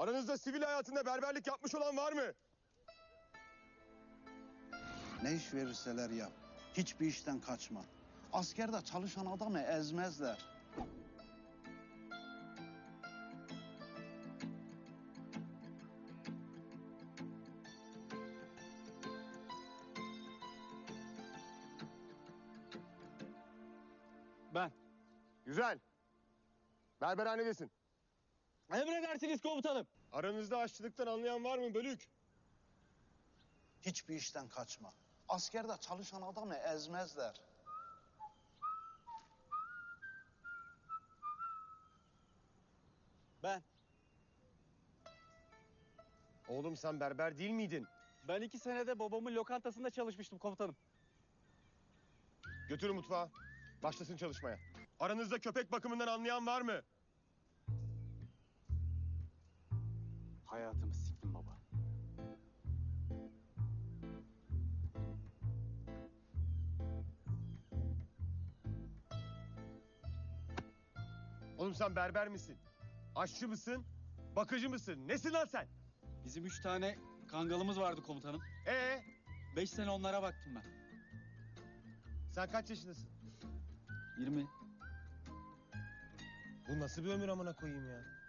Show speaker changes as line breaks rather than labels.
Aranızda sivil hayatında berberlik yapmış olan var mı?
Ne iş verirseler yap. Hiçbir işten kaçma. Askerde çalışan adamı ezmezler.
Ben.
Güzel. Berberhanedesin.
Emredersiniz komutanım.
Aranızda aşçılıktan anlayan var mı Bölük?
Hiçbir işten kaçma. Askerde çalışan adamı ezmezler.
Ben.
Oğlum sen berber değil miydin?
Ben 2 senede babamın lokantasında çalışmıştım komutanım.
Götürün mutfağa. Başlasın çalışmaya. Aranızda köpek bakımından anlayan var mı?
Hayatımı siktim baba.
Oğlum sen berber misin? Aşçı mısın? Bakıcı mısın? Nesin lan sen?
Bizim 3 tane kangalımız vardı komutanım.
5
sene onlara baktım ben.
Sen kaç yaşındasın?
20.
Bu nasıl bir ömür amına koyayım ya?